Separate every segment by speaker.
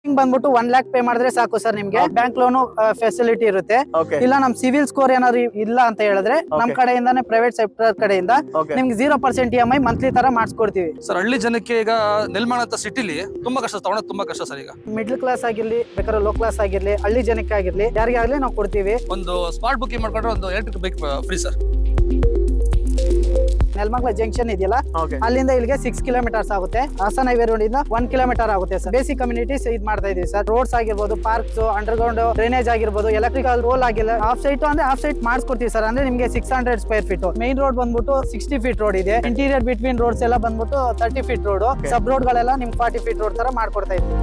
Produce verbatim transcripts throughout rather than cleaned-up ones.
Speaker 1: ಬಂದ್ಬಿಟ್ಟು one lac pay ಮಾಡಿದ್ರೆ ಸಾಕು ಸರ್ ನಿಮ್ಗೆ ಬ್ಯಾಂಕ್ ಲೋನ್ ಫೆಸಿಲಿಟಿ ಇರುತ್ತೆ. ಇಲ್ಲ ನಮ್ ಸಿವಿಲ್ ಸ್ಕೋರ್ ಏನಾದ್ರು ಇಲ್ಲ ಅಂತ ಹೇಳಿದ್ರೆ ನಮ್ ಕಡೆಯಿಂದಾನೆ ಪ್ರೈವೇಟ್ ಸೆಕ್ಟರ್ ಕಡೆಯಿಂದ ನಿಮ್ಗೆ zero percent E M I monthly ತರ ಮಾಡಿಸ್ಕೊಡ್ತೀವಿ
Speaker 2: ಸರ್. ಹಳ್ಳಿ ಜನಕ್ಕೆ ಈಗ ನೆಲ್ಮಾಣ ಅಂತ ಸಿಟಿಲಿ ತುಂಬಾ ಕಷ್ಟ, ತಗೊಳೋದು ತುಂಬಾ ಕಷ್ಟ ಸರ್. ಈಗ
Speaker 1: ಮಿಡ್ಲ್ ಕ್ಲಾಸ್ ಆಗಿರ್ಲಿ, ಬೇಕಾದ್ರೆ ಲೋ ಕ್ಲಾಸ್ ಆಗಿರ್ಲಿ, ಹಳ್ಳಿ ಜನಕ್ಕೆ ಆಗಿರ್ಲಿ, ಯಾರಿಗೆ ಆಗ್ಲಿ ನಾವು ಕೊಡ್ತೀವಿ.
Speaker 2: ಒಂದು ಸ್ಮಾರ್ಟ್ ಬುಕಿಂಗ್ ಮಾಡ್ಕೊಂಡ್ರೆ ಒಂದು electric bike free sir.
Speaker 1: Nelamangala junction ಇದೆಯಲ್ಲ, ಅಲ್ಲಿಂದ ಇಲ್ಲಿಗೆ ಸಿಕ್ಸ್ ಕಿಲೋಮೀಟರ್ಸ್ ಆಗುತ್ತೆ. ಹಾಸನ ಹೈವೇ ರೋಡ್ ಇಂದ ಒನ್ ಕಿಲೋಮೀಟರ್ ಆಗುತ್ತೆ ಸರ್. ಬೇಸಿಕ್ ಕಮ್ಯುನಿಟೀಸ್ ಇದ್ ಮಾಡ್ತಾ ಇದೀವಿ ಸರ್. ರೋಡ್ಸ್ ಆಗಿರ್ಬೋದು, ಪಾರ್ಕ್ಸ್, ಅಂಡರ್ ಗ್ರೌಂಡ್ ಡ್ರೈನೇಜ್ ಆಗಿರ್ಬೋದು, ಎಲೆಕ್ಟ್ರಿಕಲ್ ರೋಲ್ ಆಗಿಲ್ಲ, ಆಫ್ ಸೈಟ್ ಅಂದ್ರೆ ಆಫ್ ಸೈಟ್ ಮಾಡಿಸ್ಕೊಡ್ತೀವಿ ಸರ್. ಅಂದ್ರೆ ನಿಮ್ಗೆ six hundred square feet main road ಬಂದ್ಬಿಟ್ಟು ಸಿಕ್ಸ್ಟಿ ಫೀಟ್ ರೋಡ್ ಇದೆ. ಇಂಟೀರಿಯರ್ ಬಿಟ್ವೀನ್ ರೋಡ್ಸ್ ಎಲ್ಲ ಬಂದ್ಬಿಟ್ಟು thirty feet road, sub road ಗಳೆಲ್ಲ ನಿಮ್ಗೆ ಫಾರ್ಟಿ ಫೀಟ್ ರೋಡ್ ತರ ಮಾಡ್ಕೊಡ್ತಾ ಇದ್ದೀವಿ.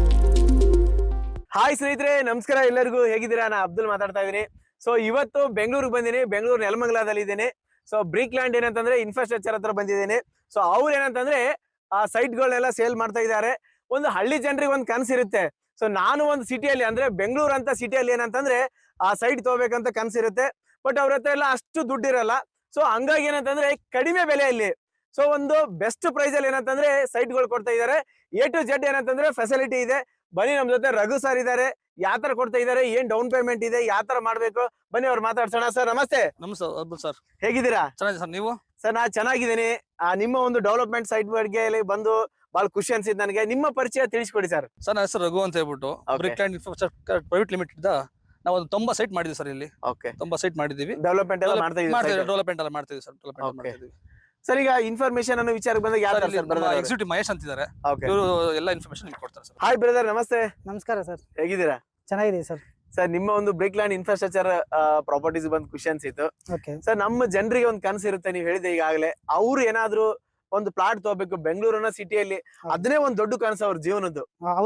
Speaker 3: ಹಾಯ್ ಸ್ನೇಹಿತರೆ, ನಮಸ್ಕಾರ ಎಲ್ಲರಿಗೂ. ಹೇಗಿದ್ದೀರಾ? ನಾನು ಅಬ್ದುಲ್ ಮಾತಾಡ್ತಾ ಇದ್ದೀನಿ. ಸೊ ಇವತ್ತು ಬೆಂಗಳೂರಿಗೆ ಬಂದಿನಿ. ಬೆಂಗಳೂರು ನೆಲಮಂಗಲದಲ್ಲಿ ಇದ್ದೀನಿ. ಸೊ ಬ್ರಿಕ್ ಲ್ಯಾಂಡ್ ಏನಂತಂದ್ರೆ ಇನ್ಫ್ರಾಸ್ಟ್ರಕ್ಚರ್ ಹತ್ರ ಬಂದಿದ್ದೀನಿ. ಸೊ ಅವ್ರು ಏನಂತಂದ್ರೆ ಆ ಸೈಟ್ ಗಳನ್ನೆಲ್ಲ ಸೇಲ್ ಮಾಡ್ತಾ ಇದ್ದಾರೆ. ಒಂದು ಹಳ್ಳಿ ಜನರಿಗೆ ಒಂದು ಕನಸಿರುತ್ತೆ. ಸೊ ನಾನು ಒಂದು ಸಿಟಿಯಲ್ಲಿ ಅಂದ್ರೆ ಬೆಂಗಳೂರು ಅಂತ ಸಿಟಿಯಲ್ಲಿ ಏನಂತಂದ್ರೆ ಆ ಸೈಟ್ ತಗೋಬೇಕಂತ ಕನಸಿರುತ್ತೆ. ಬಟ್ ಅವ್ರ ಹತ್ರ ಎಲ್ಲ ಅಷ್ಟು ದುಡ್ಡಿರಲ್ಲ. ಸೊ ಹಂಗಾಗಿ ಏನಂತಂದ್ರೆ ಕಡಿಮೆ ಬೆಲೆಯಲ್ಲಿ, ಸೊ ಒಂದು ಬೆಸ್ಟ್ ಪ್ರೈಸ್ ಅಲ್ಲಿ ಏನಂತಂದ್ರೆ ಸೈಟ್ ಗಳು ಕೊಡ್ತಾ ಇದ್ದಾರೆ. ಎ ಟು ಜೆಡ್ ಏನಂತಂದ್ರೆ ಫೆಸಿಲಿಟಿ ಇದೆ. ಬನ್ನಿ, ನಮ್ ಜೊತೆ ರಘು ಸರ್ ಇದಾರೆ. ಯಾವ ತರ ಕೊಡ್ತಾ ಇದಾರೆ, ಏನ್ ಡೌನ್ ಪೇಮೆಂಟ್ ಇದೆ, ಯಾವ ತರ ಮಾಡ್ಬೇಕು, ಬನ್ನಿ ಅವ್ರು ಮಾತಾಡ್ಸೋಣ. ಸರ್ ನಮಸ್ತೆ.
Speaker 2: ನಮಸ್ತೆ ಸರ್.
Speaker 3: ಹೇಗಿದ್ದೀರಾ?
Speaker 2: ಚೆನ್ನಾಗಿದೆ ಸರ್. ನೀವು?
Speaker 3: ಸರ್ ನಾ ಚೆನ್ನಾಗಿದ್ದೀನಿ. ನಿಮ್ಮ ಒಂದು ಡೆವಲಪ್ಮೆಂಟ್ ಸೈಟ್ ಬಗ್ಗೆ ಬಂದು ಬಹಳ ಖುಷಿ ಅನ್ಸಿದ್ ನನಗೆ. ನಿಮ್ಮ ಪರಿಚಯ ತಿಳಿಸ್ಕೊಡಿ ಸರ್.
Speaker 2: ಸರ್ ನನ್ನ ಹೆಸರು ರಘು ಅಂತ ಹೇಳ್ಬಿಟ್ಟು brick land infrastructure private limited ನಾವು ಒಂದು ತೊಂಬತ್ತು ಸೈಟ್ ಮಾಡಿದ್ವಿ ಸರ್. ಇಲ್ಲಿ ತೊಂಬತ್ತು ಸೈಟ್ ಮಾಡಿದೀವಿ.
Speaker 3: ಡೆವಲಪ್ಮೆಂಟ್ ಎಲ್ಲ ಮಾಡ್ತಾ ಇದ್ದೀವಿ.
Speaker 2: ಡೆವಲಪ್ಮೆಂಟ್ ಎಲ್ಲ ಮಾಡ್ತಿದ್ವಿ ಸರ್. ಡೆವಲಪ್ಮೆಂಟ್ ಮಾಡ್ತಿದ್ವಿ
Speaker 3: ಸರ್. ಈಗ ಇನ್ಫಾರ್ಮೇಶನ್ ಅನ್ನೋ ವಿಚಾರಕ್ಕೆ ಬಂದಾಗ ಯಾರು
Speaker 2: ಎಕ್ಸಿಕ್ಯೂಟಿವ್ ಮಹೇಶ್ ಅಂತಿದ್ದಾರೆ, ಇವರು ಎಲ್ಲ ಇನ್ಫಾರ್ಮೇಶನ್ ನಿಮ್ಗೆ ಕೊಡ್ತಾರೆ ಸರ್.
Speaker 3: ಹಾಯ್ ಬ್ರದರ್, ನಮಸ್ತೆ.
Speaker 1: ನಮಸ್ಕಾರ ಸರ್.
Speaker 3: ಹೇಗಿದ್ದೀರಾ?
Speaker 1: ಚೆನ್ನಾಗಿದೆ ಸರ್.
Speaker 3: ಸರ್ ನಿಮ್ಮ ಒಂದು ಬ್ರಿಕ್ ಲ್ಯಾಂಡ್ ಇನ್ಫ್ರಾಸ್ಟ್ರಕ್ಚರ್ ಪ್ರಾಪರ್ಟೀಸ್ ಬಂದ್ ಖುಷಿ ಅನ್ಸಿತ್ತು ಸರ್. ನಮ್ಮ ಜನರಿಗೆ ಒಂದು ಕನಸು ಇರುತ್ತೆ, ನೀವು ಹೇಳಿದೆ ಈಗಾಗಲೇ. ಅವ್ರು ಏನಾದ್ರು ಒಂದು ಪ್ಲಾಟ್ ತಗೋಬೇಕು ಬೆಂಗಳೂರಿನ ಸಿಟಿಯಲ್ಲಿ, ಅದನ್ನೇ ಒಂದ್ ದೊಡ್ಡ ಕನಸು ಅವ್ರ ಜೀವನದ್ದು.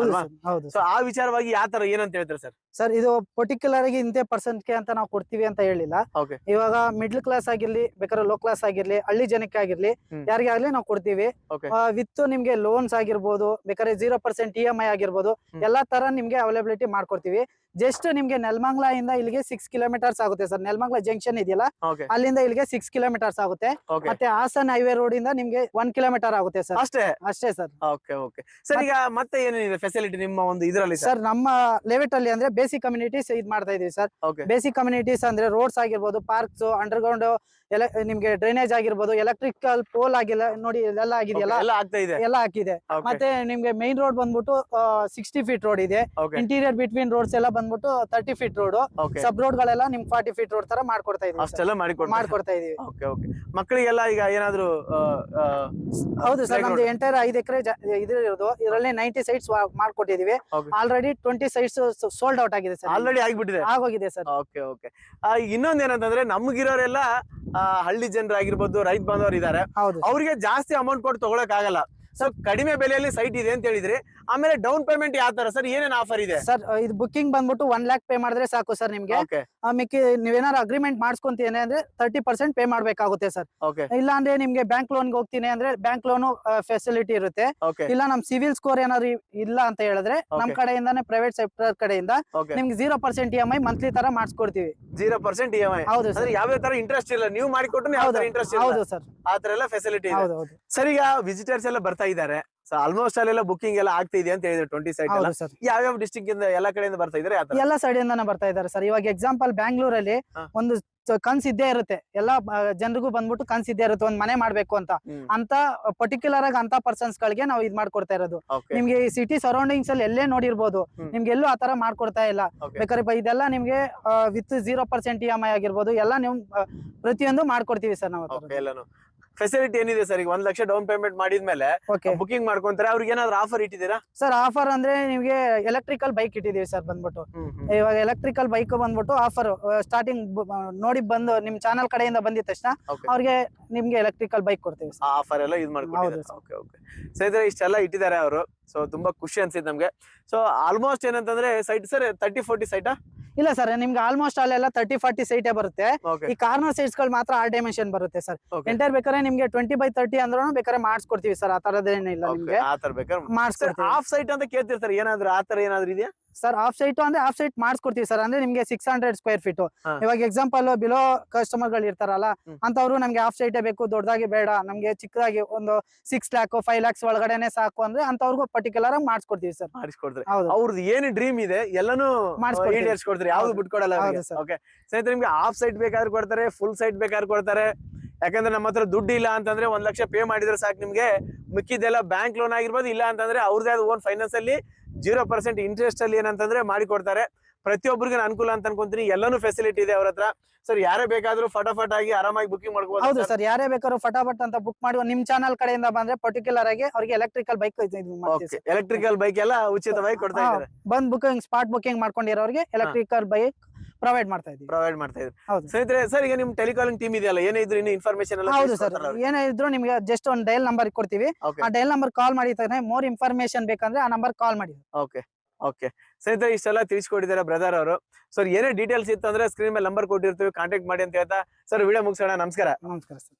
Speaker 3: ಸೊ ಆ ವಿಚಾರವಾಗಿ ಯಾವ ತರ ಏನಂತ ಹೇಳ್ತಾರೆ ಸರ್?
Speaker 1: ಸರ್ ಇದು ಪರ್ಟಿಕ್ಯುಲರ್ ಆಗಿ ಇಂತೆ ಪರ್ಸೆಂಟ್ ಗೆ ಅಂತ ನಾವು ಕೊಡ್ತೀವಿ ಅಂತ ಹೇಳಿಲ್ಲ. ಇವಾಗ ಮಿಡ್ಲ್ ಕ್ಲಾಸ್ ಆಗಿರ್ಲಿ, ಬೇಕಾದ್ರೆ ಲೋ ಕ್ಲಾಸ್ ಆಗಿರ್ಲಿ, ಹಳ್ಳಿ ಜನಕ್ಕೆ ಆಗಿರ್ಲಿ, ಯಾರಿಗೆ ಆಗ್ಲಿ ನಾವು ಕೊಡ್ತೀವಿ. ವಿತ್ ನಿಮ್ಗೆ ಲೋನ್ಸ್ ಆಗಿರ್ಬೋದು, ಬೇಕಾದ್ರೆ zero percent E M I ಆಗಿರ್ಬೋದು, ಎಲ್ಲಾ ತರ ನಿಮ್ಗೆ ಅವೈಲಬಿಲಿಟಿ ಮಾಡ್ಕೊಡ್ತೀವಿ. ಜಸ್ಟ್ ನಿಮ್ಗೆ ನೆಲಮಂಗಲ ಇಂದ ಇಲ್ಲಿಗೆ ಸಿಕ್ಸ್ ಕಿಲೋಮೀಟರ್ಸ್ ಆಗುತ್ತೆ ಸರ್. ನೆಲಮಂಗಲ ಜಂಕ್ಷನ್ ಇದೆಯಲ್ಲ, ಅಲ್ಲಿಂದ ಇಲ್ಲಿಗೆ ಸಿಕ್ಸ್ ಕಿಲೋಮೀಟರ್ಸ್ ಆಗುತ್ತೆ. ಮತ್ತೆ ಹಾಸನ ಹೈವೇ ರೋಡ್ ಇಂದ ನಿಮ್ಗೆ ಒನ್ ಕಿಲೋಮೀಟರ್ ಆಗುತ್ತೆ ಸರ್.
Speaker 3: ಅಷ್ಟೇ
Speaker 1: ಅಷ್ಟೇ ಸರ್.
Speaker 3: Okay okay sir. ಈಗ ಮತ್ತೆ ಏನೇನಿದೆ ಫೆಸಿಲಿಟಿ ನಿಮ್ಮ ಒಂದು ಇದರಲ್ಲಿ
Speaker 1: ಸರ್? ನಮ್ಮ ಲೆವೆಟ್ ಅಲ್ಲಿ ಅಂದ್ರೆ ಬೇಸಿಕ್ ಕಮ್ಯುನಿಟೀಸ್ ಇದ್ ಮಾಡ್ತಾ ಇದೀವಿ ಸರ್. ಬೇಸಿಕ್ ಕಮ್ಯುನಿಟೀಸ್ ಅಂದ್ರೆ ರೋಡ್ಸ್ ಆಗಿರ್ಬೋದು, ಪಾರ್ಕ್ಸ್, ಅಂಡರ್ ಗ್ರೌಂಡ್ ಎಲ್ಲ ನಿಮ್ಗೆ ಡ್ರೈನೇಜ್ ಆಗಿರ್ಬೋದು, ಎಲೆಕ್ಟ್ರಿಕಲ್ ಪೋಲ್ ಆಗಿಲ್ಲ ನೋಡಿ, ಎಲ್ಲ ಆಗಿದೆಯಲ್ಲ, ಎಲ್ಲ ಹಾಕಿದೆ. ಮತ್ತೆ ನಿಮ್ಗೆ ಮೈನ್ ರೋಡ್ ಬಂದ್ಬಿಟ್ಟು ಸಿಕ್ಸ್ಟಿ ಫೀಟ್ ರೋಡ್ ಇದೆ. ಇಂಟೀರಿಯರ್ ಬಿಟ್ವೀನ್ ರೋಡ್ಸ್ ಎಲ್ಲ ಬಂದ್ಬಿಟ್ಟು thirty feet road, sub road ಗಳೆಲ್ಲ ನಿಮ್ ಫಾರ್ಟಿ ಫೀಟ್ ರೋಡ್ ತರ ಮಾಡ್ಕೊಡ್ತಾ ಇದೀವಿ.
Speaker 3: ಅಷ್ಟೆಲ್ಲ
Speaker 1: ಮಾಡ್ಕೊಡ್ತಾ ಇದೀವಿ.
Speaker 3: ಮಕ್ಕಳಿಗೆಲ್ಲ ಈಗ ಏನಾದ್ರು?
Speaker 1: ಹೌದು ಸರ್, ನಮ್ದು ಎಂಟೈರ್ ಐದು ಎಕರೆ ಇದು ಇರೋದು. ಇದರಲ್ಲಿ ನೈಂಟಿ ಸೈಟ್ಸ್ ಮಾಡ್ಕೊಟ್ಟಿದೀವಿ. Already twenty sites sold out ಆಗಿದೆ ಸರ್.
Speaker 3: ಆಲ್ರೆಡಿ ಆಗಿಬಿಟ್ಟಿದೆ,
Speaker 1: ಆಗೋಗಿದೆ ಸರ್.
Speaker 3: Okay okay. ಇನ್ನೊಂದ್ ಏನಂತಂದ್ರೆ ನಮ್ಗಿರೋರೆಲ್ಲ ಹಳ್ಳಿ ಜನರಾಗಿರ್ಬೋದು, ರೈತ ಬಾಂಧವರು ಇದಾರೆ. ಅವ್ರಿಗೆ ಜಾಸ್ತಿ ಅಮೌಂಟ್ ಕೊಟ್ಟು ತಗೊಳಕ್ ಆಗಲ್ಲ. ಸೊ ಕಡಿಮೆ ಬೆಲೆಯಲ್ಲಿ ಸೈಟ್ ಇದೆ ಅಂತ ಹೇಳಿದ್ರಿ. ಆಮೇಲೆ ಡೌನ್ ಪೇಮೆಂಟ್ ಯಾವ ತರ ಸರ್? ಏನೇನ್ ಆಫರ್ ಇದೆ
Speaker 1: ಸರ್? ಇದು ಬುಕಿಂಗ್ ಬಂದ್ಬಿಟ್ಟು ಒನ್ ಲ್ಯಾಕ್ ಪೇ ಮಾಡಿದ್ರೆ ಸಾಕು ಸರ್ ನಿಮ್ಗೆ. ಮಿಕ್ಕಿ ನೀವೇನಾದ್ರು ಅಗ್ರಿಮೆಂಟ್ ಮಾಡ್ಸ್ಕೊಂತೀನಿ ಅಂದ್ರೆ ತರ್ಟಿ ಪರ್ಸೆಂಟ್ ಪೇ ಮಾಡ್ಬೇಕಾಗುತ್ತೆ ಸರ್. ಇಲ್ಲ ಅಂದ್ರೆ ನಿಮ್ಗೆ ಬ್ಯಾಂಕ್ ಲೋನ್ ಹೋಗ್ತೀನಿ ಅಂದ್ರೆ ಬ್ಯಾಂಕ್ ಲೋನ್ ಫೆಸಿಲಿಟಿ ಇರುತ್ತೆ. ಇಲ್ಲ ನಮ್ ಸಿವಿಲ್ ಸ್ಕೋರ್ ಏನಾದ್ರು ಇಲ್ಲ ಅಂತ ಹೇಳಿದ್ರೆ ನಮ್ ಕಡೆಯಿಂದಾನೆ ಪ್ರೈವೇಟ್ ಸೆಕ್ಟರ್ ಕಡೆಯಿಂದ ನಿಮ್ಗೆ zero percent E M I monthly ತರ ಮಾಡಿಸ್ಕೊಡ್ತೀವಿ.
Speaker 3: Zero percent E M I? ಹೌದು ಸರ್. ಯಾವ್ದೇ ತರ ಇಂಟ್ರೆಸ್ಟ್ ಇಲ್ಲ, ನೀವು ಮಾಡಿಕೊಟ್ರೆ ಇಂಟ್ರೆಸ್ಟ್.
Speaker 1: ಹೌದು ಸರ್,
Speaker 3: ಆ ತರ ಎಲ್ಲ ಫೆಸಿಲಿಟಿ ಇದೆ. ಸರ್ ಈಗ ವಿಸಿಟರ್ಸ್ ಎಲ್ಲ ಬರ್ತಾ ಇದ್ದಾರೆ. ಸೊ ಆಲ್ಮೋಸ್ಟ್ ಅಲ್ಲೆಲ್ಲ ಬುಕಿಂಗ್ ಎಲ್ಲ ಆಗ್ತಾ ಇದೆ ಅಂತ ಹೇಳಿದ್ರೆ ಟ್ವೆಂಟಿ ಸೈಟ್ ಎಲ್ಲ ಯಾವ್ಯಾವ ಡಿಸ್ಟ್ರಿಕ್ಟ್ ಇಂದ ಎಲ್ಲಾ ಕಡೆಯಿಂದ ಬರ್ತಾ ಇದ್ದಾರೆ?
Speaker 1: ಎಲ್ಲಾ ಸೈಡ್ ಇಂದಾನೆ ಬರ್ತಾ ಇದ್ದಾರೆ ಸರ್. ಇವಾಗ ಎಕ್ಸಾಂಪಲ್ ಬ್ಯಾಂಗ್ಳೂರಲ್ಲಿ ಒಂದು ಕನ್ಸ್ ಇದ್ದೇ ಇರುತ್ತೆ, ಎಲ್ಲಾ ಜನರಿಗೂ ಬಂದ್ಬಿಟ್ಟು ಕನ್ಸ್ ಇದ್ದೇ ಇರುತ್ತೆ, ಒಂದ್ ಮನೆ ಮಾಡ್ಬೇಕು ಅಂತ. ಅಂತ ಪರ್ಟಿಕ್ಯುಲರ್ ಆಗಿ ಅಂತ ಪರ್ಸನ್ಸ್ ಗಳಿಗೆ ನಾವು ಇದ್ ಮಾಡ್ಕೊಡ್ತಾ ಇರೋದು. ನಿಮ್ಗೆ ಈ ಸಿಟಿ ಸರೌಂಡಿಂಗ್ಸ್ ಅಲ್ಲಿ ಎಲ್ಲೇ ನೋಡಿರ್ಬೋದು, ನಿಮ್ಗೆ ಎಲ್ಲೂ ಆತರ ಮಾಡ್ಕೊಡ್ತಾ ಇಲ್ಲ. ಬೇಕಾದ್ರೆ ಇದೆಲ್ಲ ನಿಮ್ಗೆ with zero percent E M I ಆಗಿರ್ಬೋದು, ಎಲ್ಲ ನೀವು ಪ್ರತಿಯೊಂದು ಮಾಡ್ಕೊಡ್ತೀವಿ ಸರ್ ನಾವು.
Speaker 3: ಫೆಸಿಲಿಟಿ ಏನಿದೆ ಸರ್? ಈಗ ಒಂದ್ ಲಕ್ಷ ಡೌನ್ ಪೇಮೆಂಟ್ ಮಾಡಿದ್ಮೇಲೆ ಬುಕಿಂಗ್ ಮಾಡ್ಕೊಂತಾರೆ, ಅವ್ರಿಗೆ ಏನಾದ್ರು ಆಫರ್ ಇಟ್ಟಿದ್ದೀರಾ
Speaker 1: ಸರ್? ಆಫರ್ ಅಂದ್ರೆ ನಿಮ್ಗೆ ಎಲೆಕ್ಟ್ರಿಕಲ್ ಬೈಕ್ ಇಟ್ಟಿದೀವಿ ಸರ್. ಬಂದ್ಬಿಟ್ಟು ಇವಾಗ ಎಲೆಕ್ಟ್ರಿಕಲ್ ಬೈಕ್ ಬಂದ್ಬಿಟ್ಟು ಆಫರ್ ಸ್ಟಾರ್ಟಿಂಗ್ ನೋಡಿ ಬಂದು ನಿಮ್ ಚಾನಲ್ ಕಡೆಯಿಂದ ಬಂದಿದ ತಕ್ಷಣ ಅವ್ರಿಗೆ ನಿಮ್ಗೆ ಎಲೆಕ್ಟ್ರಿಕಲ್ ಬೈಕ್ ಕೊಡ್ತೀವಿ.
Speaker 3: ಆಫರ್ ಎಲ್ಲ ಯೂಸ್ ಮಾಡ್ಕೊಂಡು ಸ್ನೇಹಿತರೆ ಇಷ್ಟೆಲ್ಲ ಇಟ್ಟಿದ್ದಾರೆ ಅವರು. ಸೊ ತುಂಬಾ ಖುಷಿ ಅನ್ಸಿದ್ ನಮ್ಗೆ. ಸೊ ಆಲ್ಮೋಸ್ಟ್ ಏನಂತಂದ್ರೆ ಸೈಟ್ ಸರ್ ತರ್ಟಿ ಫೋರ್ಟಿ ಸೈಟಾ?
Speaker 1: ಇಲ್ಲ ಸರ್, ನಿಮ್ಗೆ ಆಲ್ಮೋಸ್ಟ್ ಅಲ್ಲೆಲ್ಲ ತರ್ಟಿ ಫಾರ್ಟಿ ಸೈಟೇ ಬರುತ್ತೆ. ಈ ಕಾರ್ನರ್ ಸೈಟ್ಸ್ ಗಳು ಮಾತ್ರ ಆರ್ ಡೈಮೆನ್ಷನ್ ಬರುತ್ತೆ ಸರ್. ಎಂಟರ್ ಬೇಕಾದ್ರೆ ನಿಮ್ಗೆ ಟ್ವೆಂಟಿ ಬೈ ತರ್ಟಿ ಅಂದ್ರೂ ಬೇಕಾದ್ರೆ ಮಾಡಿಸ್ಕೊಡ್ತೀವಿ ಸರ್. ಆ ತರದೇನಿಲ್ಲ, ನಿಮ್ಗೆ ಮಾಡಿಸ್ಕೊಡ್ತೀವಿ.
Speaker 3: ಆಫ್ ಸೈಟ್ ಅಂತ ಕೇಳ್ತಿರ್ತಾರೆ, ಏನಾದ್ರು ಆ ತರ ಏನಾದ್ರು ಇದೆಯಾ?
Speaker 1: ಸರ್ ಆಫ್ ಸೈಟ್ ಅಂದ್ರೆ ಆಫ್ ಸೈಟ್ ಮಾಡಿಸ್ಕೊಡ್ತೀವಿ ಸರ್. ಅಂದ್ರೆ ನಿಮ್ಗೆ ಸಿಕ್ಸ್ ಹಂಡ್ರೆಡ್ ಸ್ಕ್ವೇರ್ ಫೀಟ್. ಇವಾಗ ಎಕ್ಸಾಂಪಲ್ ಬಿಲೋ ಕಸ್ಟಮರ್ ಗಳು ಇರ್ತಾರಲ್ಲ, ಅಂತವ್ರು ನಮ್ಗೆ ಆಫ್ ಸೈಟೇ ಬೇಕು, ದೊಡ್ಡದಾಗಿ ಬೇಡ, ನಮ್ಗೆ ಚಿಕ್ಕದಾಗಿ ಒಂದು ಸಿಕ್ಸ್ ಲ್ಯಾಕ್ ಫೈವ್ ಲ್ಯಾಕ್ಸ್ ಒಳಗಡೆನೆ ಸಾಕು ಅಂದ್ರೆ ಅಂತವ್ರಿಗೂ ಪರ್ಟಿಕ್ಯುಲರ್ ಆಗಿ ಮಾಡಿಸ್ಕೊಡ್ತೀವಿ ಸರ್.
Speaker 3: ಮಾಡಿಸ್ಕೊಡ್ತಾರೆ.
Speaker 1: ಹೌದು,
Speaker 3: ಅವ್ರದ್ದು ಏನು ಡ್ರೀಮ್ ಇದೆ ಎಲ್ಲಾನು
Speaker 1: ಮಾಡಿಸ್ಕೊಡ್ತೀವಿ.
Speaker 3: ಈಡೇರಿಸ್ಕೊಡ್ತಾರೆ, ಯಾವ್ದು ಬಿಟ್ಕೊಡಲ್ಲ. ಓಕೆ ಸ್ನೇಹಿತರೆ, ನಿಮ್ಗೆ ಹಾಫ್ ಸೈಟ್ ಬೇಕಾದ್ರೆ ಕೊಡ್ತಾರೆ, ಫುಲ್ ಸೈಟ್ ಬೇಕಾದ್ರೆ ಕೊಡ್ತಾರೆ. ಯಾಕಂದ್ರೆ ನಮ್ಮ ಹತ್ರ ದುಡ್ಡು ಇಲ್ಲ ಅಂತಂದ್ರೆ ಒಂದ್ ಲಕ್ಷ ಪೇ ಮಾಡಿದ್ರೆ ಸಾಕು ನಿಮ್ಗೆ, ಮಿಕ್ಕಿದೆಲ್ಲ ಬ್ಯಾಂಕ್ ಲೋನ್ ಆಗಿರ್ಬೋದು, ಇಲ್ಲ ಅಂತಂದ್ರೆ ಅವ್ರದೇ ಆದ ಓನ್ ಫೈನಾನ್ಸ್ ಅಲ್ಲಿ ಜೀರೋ ಪರ್ಸೆಂಟ್ ಇಂಟ್ರೆಸ್ಟ್ ಅಲ್ಲಿ ಏನಂತಂದ್ರೆ ಮಾಡಿ ಕೊಡ್ತಾರೆ. ಪ್ರತಿಯೊಬ್ಬರಿಗೆ ಅನುಕೂಲ ಅಂತ ಅನ್ಕೊಂತೀನಿ. ಎಲ್ಲಾನು ಫೆಸಿಲಿಟಿ ಇದೆ ಅವ್ರ ಹತ್ರ. ಸರ್ ಯಾರೇ ಬೇಕಾದ್ರೂ ಫಟಾಫಟ್ ಆಗಿ ಆರಾಮಾಗಿ ಬುಕಿಂಗ್ ಮಾಡ್ಕೋಬಹುದು.
Speaker 1: ಹೌದು ಸರ್, ಯಾರೇ ಬೇಕಾದ್ರೂ ಫಟಾಫಟ್ ಅಂತ ಬುಕ್ ಮಾಡಿ ನಿಮ್ ಚಾನಲ್ ಕಡೆಯಿಂದ ಬಂದ್ರೆ ಪರ್ಟಿಕ್ಯುಲರ್ ಆಗಿ ಅವ್ರಿಗೆ ಎಲೆಕ್ಟ್ರಿಕಲ್ ಬೈಕ್
Speaker 3: ಎಲೆಕ್ಟ್ರಿಕಲ್ ಬೈಕ್ ಎಲ್ಲ ಉಚಿತವಾಗಿ ಕೊಡ್ತಾ ಇದ್ದಾರೆ.
Speaker 1: ಬಂದ್ ಬುಕಿಂಗ್ ಸ್ಪಾಟ್ ಬುಕಿಂಗ್ ಮಾಡ್ಕೊಂಡಿರೋರಿಗೆ ಎಲೆಕ್ಟ್ರಿಕಲ್ ಬೈಕ್ ಪ್ರೊವೈಡ್ ಮಾಡ್ತಾ ಇದೀವಿ.
Speaker 3: ಪ್ರೊವೈಡ್ ಮಾಡ್ತಾ ಇದ್ದಾರೆ.
Speaker 1: ಹೌದು
Speaker 3: ಸ್ನೇಹಿತರೆ, ಸರ್ ಈಗ ನಿಮ್ ಟೆಲಿಕಾಲಿಂಗ್ ಟೀಮ್ ಇದೆಯಲ್ಲ, ಏನೇ ಇದ್ರು ಇನ್ನು ಇನ್ಫಾರ್ಮೇಶನ್ ಎಲ್ಲ
Speaker 1: ಹೌದು ಸರ್, ಏನೇ ಇದ್ರು ನಿಮ್ಗೆ ಜಸ್ಟ್ ಒಂದು ಡಯಲ್ ನಂಬರ್ ಕೊಡ್ತೀವಿ. ಆ ಡಯಲ್ ನಂಬರ್ ಕಾಲ್ ಮಾಡಿ ಮೋರ್ ಇನ್ಫಾರ್ಮೇಶನ್ ಬೇಕಂದ್ರೆ ಆ ನಂಬರ್ ಕಾಲ್ ಮಾಡಿ.
Speaker 3: ಓಕೆ ಓಕೆ ಸ್ನೇಹಿತರೆ, ಇಷ್ಟೆಲ್ಲ ತಿಳಿಸ್ಕೊಟ್ಟಿದ್ದಾರೆ ಬ್ರದರ್ ಅವರು. ಸರ್ ಏನೇ ಡೀಟೇಲ್ಸ್ ಇತ್ತು ಅಂದ್ರೆ ಸ್ಕ್ರೀನ್ ಮೇಲೆ ನಂಬರ್ ಕೊಟ್ಟಿರ್ತೀವಿ, ಕಾಂಟ್ಯಾಕ್ಟ್ ಮಾಡಿ ಅಂತ ಹೇಳ್ತಾ ಸರ್ ವಿಡಿಯೋ ಮುಗಿಸೋಣ. ನಮಸ್ಕಾರ.
Speaker 1: ನಮಸ್ಕಾರ ಸರ್.